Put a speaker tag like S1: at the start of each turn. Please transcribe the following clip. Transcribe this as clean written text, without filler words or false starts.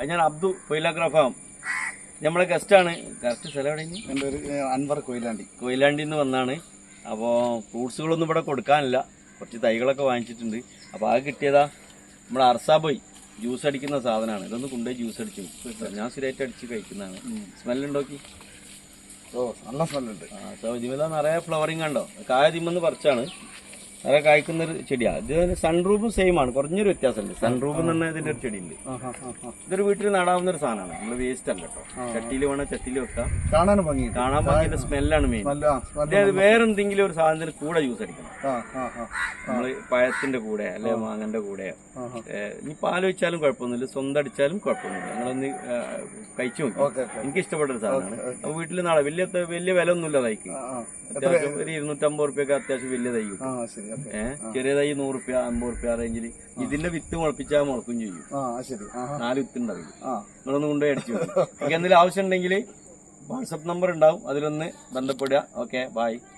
S1: ഞാൻ അബ്ദു കൊയിലാഗ്രാഫാം. നമ്മളെ ഗസ്റ്റാണ്. കറക്റ്റ് സ്ഥലം എവിടെ?
S2: എൻ്റെ ഒരു അൻവർ
S1: കൊയിലാണ്ടിന്ന് വന്നാണ്. അപ്പോൾ ഫ്രൂട്ട്സുകളൊന്നും ഇവിടെ കൊടുക്കാനില്ല. കുറച്ച് തൈകളൊക്കെ വാങ്ങിച്ചിട്ടുണ്ട്. അപ്പോൾ അത് കിട്ടിയതാ നമ്മുടെ അർസാബോയ് ജ്യൂസ് അടിക്കുന്ന സാധനമാണ്. ഇതൊന്ന് കൊണ്ടുപോയി ജ്യൂസ് അടിച്ചു. ഞാൻ സ്ഥിരമായിട്ട് അടിച്ച് കഴിക്കുന്നതാണ്. സ്മെല്ലുണ്ടോക്കി?
S2: നല്ല സ്മെല്ലുണ്ട്.
S1: ഇതിമെല്ലാം നിറയെ ഫ്ലവറിങ് കണ്ടോ? കായ തിമെന്ന് പറിച്ചാണ് നിറയെ കായ്ക്കുന്നൊരു ചെടിയാണ്. ഇത് സൺറൂഫും സെയിം ആണ്. കുറഞ്ഞൊരു വ്യത്യാസമുണ്ട്. സൺറൂഫ് എന്ന് പറഞ്ഞാൽ ഇതിന്റെ ഒരു ചെടിയുണ്ട്. ഇതൊരു വീട്ടിൽ നടാവുന്ന ഒരു സാധനമാണ്. നമ്മള് വേസ്റ്റ് അല്ല കേട്ടോ. ചട്ടിയിൽ വേണം, ചട്ടിയിൽ വെക്കാം. കാണാൻ ഭംഗിയുടെ സ്മെല്ലാണ് മെയിൻ. അതായത് വേറെന്തെങ്കിലും ഒരു സാധനത്തിന് കൂടെ ജ്യൂസ് അടിക്കണം. നമ്മള് പഴത്തിന്റെ കൂടെ അല്ലെ മാങ്ങന്റെ കൂടെ. ഇനി പാൽ വെച്ചാലും കുഴപ്പമൊന്നുമില്ല, സ്വന്തം അടിച്ചാലും കുഴപ്പമൊന്നുമില്ല. നിങ്ങളൊന്ന് കഴിച്ചു നോക്കി. എനിക്ക് ഇഷ്ടപ്പെട്ട ഒരു സാധനമാണ്. അപ്പൊ വീട്ടിൽ നാളെ വലിയ വില ഒന്നുമില്ല തൈക്ക്. അത്യാവശ്യം ഒരു 250 റുപ്യൊക്കെ അത്യാവശ്യം വലിയ തൈ കിട്ടും. ചെറിയ തൈ 100 റുപ്യ 50 റുപ്യ റേഞ്ചിൽ. ഇതിന്റെ വിത്ത് മുളപ്പിച്ചാൽ മുളക്കും ചെയ്യും. 4 വിത്ത് ഉണ്ടാവില്ല. നിങ്ങളൊന്ന് കൊണ്ടുപോയി അടിച്ചു നോക്കും. എനിക്ക് എന്തെങ്കിലും ആവശ്യം ഉണ്ടെങ്കിൽ വാട്സപ്പ് നമ്പർ ഉണ്ടാവും, അതിലൊന്ന് ബന്ധപ്പെടുക. Okay, by.